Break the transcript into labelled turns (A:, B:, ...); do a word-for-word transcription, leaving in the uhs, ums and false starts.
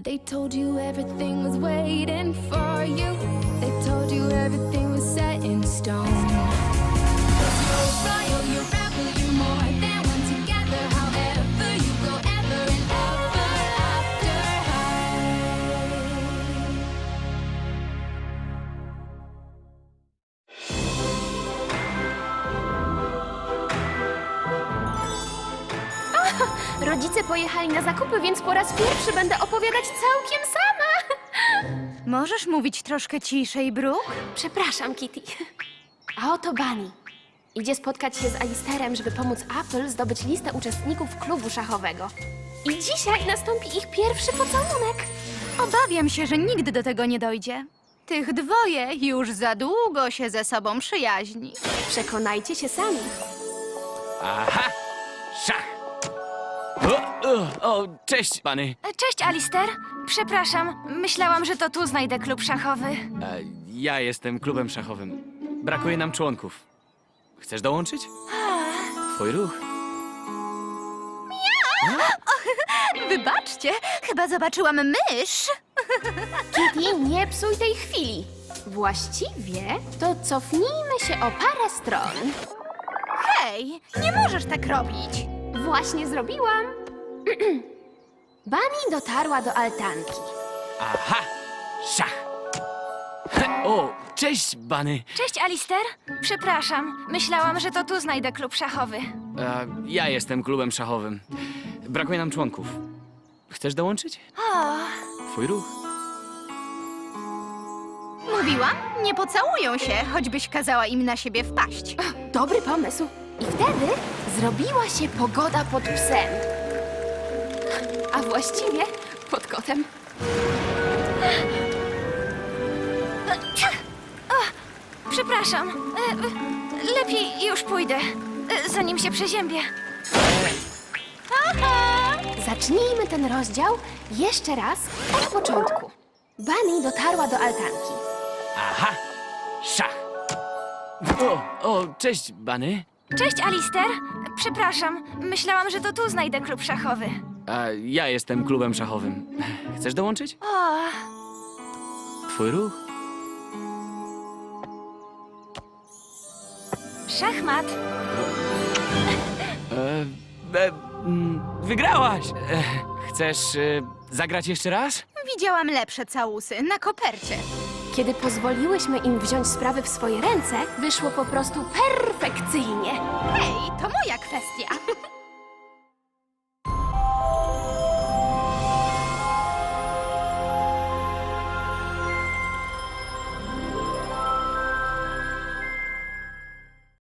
A: They told you everything was waiting for you. They told you everything was set in stone. 'Cause you're royal, you're rebel, you're more than one together. However you go, ever and ever after high.
B: Rodzice pojechali na zakupy, więc po raz pierwszy będę opowiadać całkiem sama.
C: Możesz mówić troszkę ciszej, Brooke?
B: Przepraszam, Kitty. A oto Bunny. Idzie spotkać się z Alisterem, żeby pomóc Apple zdobyć listę uczestników klubu szachowego. I dzisiaj nastąpi ich pierwszy pocałunek.
C: Obawiam się, że nigdy do tego nie dojdzie. Tych dwoje już za długo się ze sobą przyjaźni.
B: Przekonajcie się sami.
D: Aha! Szach! O, o, o, cześć, pany.
C: Cześć, Alister. Przepraszam, myślałam, że to tu znajdę klub szachowy.
D: E, ja jestem klubem szachowym. Brakuje nam członków. Chcesz dołączyć? Twój ruch.
C: Wybaczcie, chyba zobaczyłam mysz.
B: Kitty, nie psuj tej chwili. Właściwie to cofnijmy się o parę stron.
C: Hej, nie możesz tak robić.
B: Właśnie zrobiłam. Bunny dotarła do altanki.
D: Aha! Szach! He, o, cześć, Bunny.
C: Cześć, Alister. Przepraszam, myślałam, że to tu znajdę klub szachowy.
D: E, ja jestem klubem szachowym. Brakuje nam członków. Chcesz dołączyć?
C: O,
D: Twój ruch.
C: mówiłam, nie pocałują się, choćbyś kazała im na siebie wpaść.
B: Dobry pomysł. I wtedy zrobiła się pogoda pod psem. A właściwie pod kotem.
C: Przepraszam, e, lepiej już pójdę, e, zanim się przeziębię.
B: Zacznijmy ten rozdział jeszcze raz od początku. Bunny dotarła do altanki.
D: Aha! Szach! O, o, cześć, Bunny.
C: Cześć, Alister. Przepraszam, myślałam, że to tu znajdę klub szachowy.
D: A ja jestem klubem szachowym. Chcesz dołączyć?
C: O,
D: Twój ruch.
C: szachmat.
D: E, e, mm, wygrałaś! E, chcesz e, zagrać jeszcze raz?
C: Widziałam lepsze całusy na kopercie.
B: Kiedy pozwoliłyśmy im wziąć sprawy w swoje ręce, wyszło po prostu perfekcyjnie.
C: Hej, to moja kwestia.